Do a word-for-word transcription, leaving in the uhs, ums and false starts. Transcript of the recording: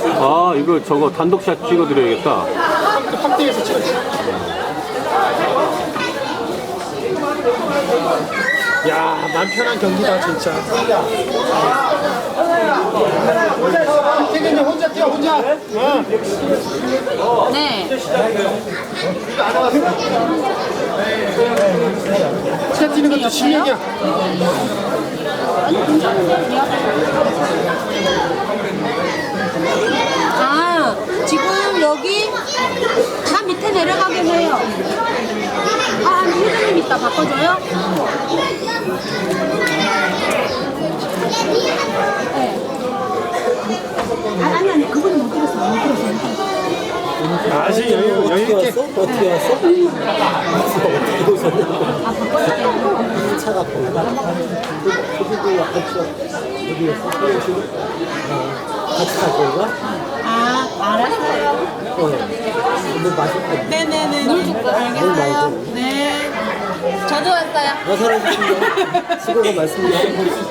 아, 이거 저거 단독샷 찍어드려야겠다. 확대해서 찍어주세요. 야, 맘 편한 경기다 진짜. 태균이 혼자 뛰어 혼자. 어. 네. 혼자 뛰는 것도 실력이야. 아니 괜찮은데? 아 지금 여기 다 밑에 내려가게 해요. 아 회장님 이따 바꿔줘요? 네. 아, 아니 아니 그분은 못 들었어 못 들었어. 아직 여유 여유 있게. 어떻게 왔어? 어떻게 오셨는데? 아 바꿔줄게요. 차가 보이나? 저기도 약간 저 여기였어? 그래가지고 같이 갈 거가? 아 알았어요. 어. 뭐 맛있고. 네네네 물 줄거 알겠어요. 네. 저도 왔어요. 어, 잘하셨습니다. 수고가 많습니다.